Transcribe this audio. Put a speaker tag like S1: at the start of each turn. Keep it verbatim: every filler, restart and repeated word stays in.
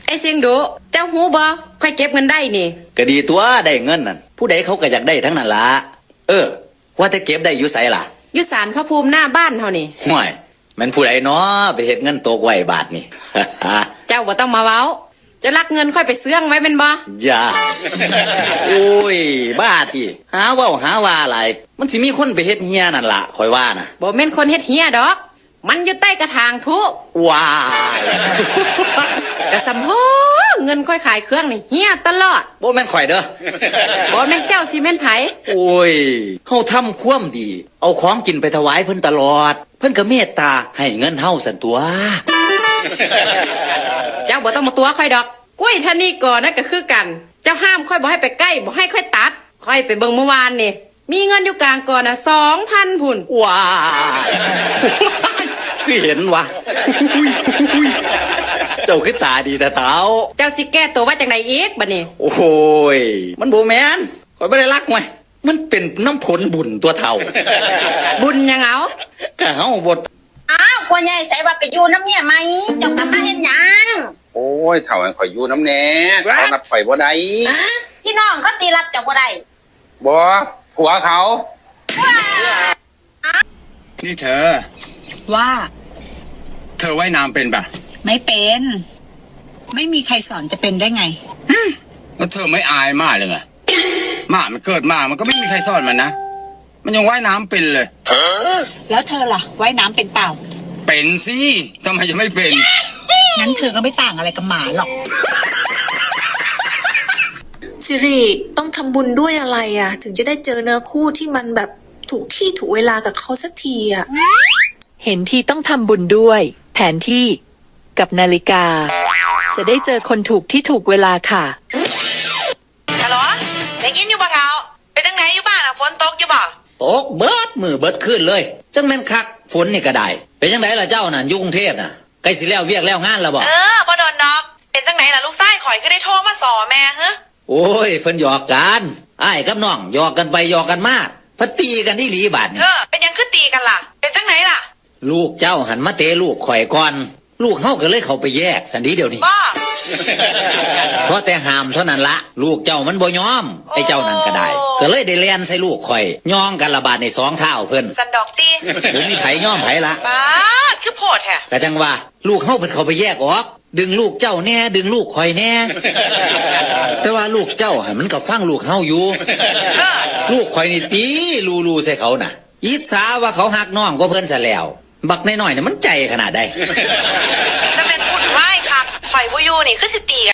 S1: ไอ้เสียงดุเจ้าหูบ่ค่อยเก็บเงินได้นี่
S2: ก็ดีตัวได้เงินนั่นผู้ใดเขาก็อยากได้ทั้งนั้นละเออว่าแต่เก็บได้อยู่ไสล่ะ
S1: อยู่ศาลพระภูมิหน้าบ้านเฮานี่
S2: ห่วยมันผู้ใดเนาะไปเฮ็ดเงินตกไว้บาทนี่
S1: เจ้าบ่ต้องมาเว้าจะลักเงินค่อยไปเสื่องไว้เป็นบ่
S2: อย่าโอ้ยบ้าติหาเว้าหาว่าอะไรมันสิมีคนไปเฮ็ดเฮียนั่นล่ะข่อยว่านะ
S1: บ่แม่นคนเฮ็ดเฮียดอกมันอยู่ใต้กระถางทุ
S2: ว้าย
S1: กระสำโหเงินค่อยขายเครื่องนี่เฮียตลอด
S2: บ่แม่นข่อยเด้อ
S1: บ่แม่นเจ้าสิแม่นไผ
S2: โอ้ยเฮาทำความดีเอาของกินไปถวายเพิ่นตลอดเพิ่นก็เมตตาให้เงินเฮาสั่นตัว
S1: เจ้าบ่ต้องมาตัวค่อยดอกกล้วยท่านี่ก่อนนะก็คือกันเจ้าห้ามค่อยบ่ให้ไปใกล้บ่ให้ค่อยตัดค่อยไปเบิ่งเมื่อวานนี่มีเงินอยู่กลางก่อนน่ะ สองพัน พุ่น
S2: ว้าคือเห็นวะเจ้าคือตาดีแต่เท้า
S1: เจ้าสิแก้ตัวว่าจังไดอีกบัดนี้
S2: โอ้ยมันบ่แม่นข่อยบ่ได้รักไว้มันเป็นน้ำผลบุญตัวเฒ่า
S1: บุญยังเอา
S2: ก็เฮาบ่
S3: อ้าวพ่อใหญ่ใส่ว่าไปอยู่น้ำเมียไหมเจ้ากลับมาเฮ็ดหยัง
S4: โอ้ยเฒ่าให้ข่อยอยู่น้ำแหน่เขานับข่อยบ่ได้
S3: พี่น้องเขาตีรับเจ้าบ่ได้
S4: บ่ผัวเขา
S5: นี่เธอ
S6: ว่า
S5: เธอว่ายน้ำเป็นปะ
S6: ไม่เป็นไม่มีใครสอนจะเป็นได้ไง
S5: แล้วเธอไม่อายมากเลยไงหมามันเกิดมามันก็ไม่มีใครสอนมันนะมันยังว่ายน้ำเป็นเลย
S6: แล้วเธอล่ะว่ายน้ำเป็นเปล่า
S5: เป็นสิทำไมจะไม่เป็น
S6: งั้นเธอก็ไม่ต่างอะไรกับหมาหรอก
S7: สิริต้องทำบุญด้วยอะไรอ่ะถึงจะได้เจอเนื้อคู่ที่มันแบบถูกที่ถูกเวลากับเขาสักทีอ่ะ
S8: เห็นที่ต้องทำบุญด้วยแผนที่กับนาฬิกาจะได้เจอคนถูกที่ถูกเวลาค่ะ
S3: ฮัลโหลได้ยินอยู่บ่เท้าไปทางไหนอยู่บ้านอ่ะฝนตกอยู่บ่
S2: ตกเบิดมือเบิดขึ้นเลยจังแม่นคักฝนนี่ก็ได้เป็นจังไดล่ะเจ้านั่นอยู่กรุงเทพน่ะใกล้สิแล้วเวียกแล้วงานแล้วบ่
S3: เออบ่โดนดอกเป็นจังไหนล่ะลูกชายข่อยคือได้โทรมาสอแม่ฮะ
S2: โอ้ยเพิ่นหยอกกันอ้ายกับน้องหยอกกันไปหยอกกันมาเพิ่นตีกันที่หลีบาดนี่
S3: เออเป็นยังคือตีกันล่ะเป็นจังไหนล่ะ
S2: ลูกเจ้าหันมาเตะลูกข่อยก่อนลูกเฮาก็เลยเข้าไปแยกสันดีเดี๋ยวนี้
S3: บ่
S2: เพราะแต่ห้ามเท่านั้นละลูกเจ้ามันบ่ยอมไอ้เจ้านั่นก็ได้ก็เลยได้เลียนใส่ลูกข่อยย่องกันระบาดในสองเท้าเพิ่น
S3: สันดอกตี
S2: ผมมีไผย่อมไผละ
S3: บ้าคือโพดแท้
S2: ก็จังว่าลูกเฮาเพิ่นเข้าไปแยกออกดึงลูกเจ้าแน่ดึงลูกข่อยแน่แต่ว่าลูกเจ้าหันมันก็ฟังลูกเฮาอยู่ลูกข่อยนี่ตีลูๆใส่เขาน่ะอิจฉาว่าเขาหักน้องก็เพิ่นซะแล้วบักน้อยๆเนี่ยมันใจขนาดใด
S3: แต่แม่นพูดไว้ค่ะข่อยบ่อยู่นี่คือสิตี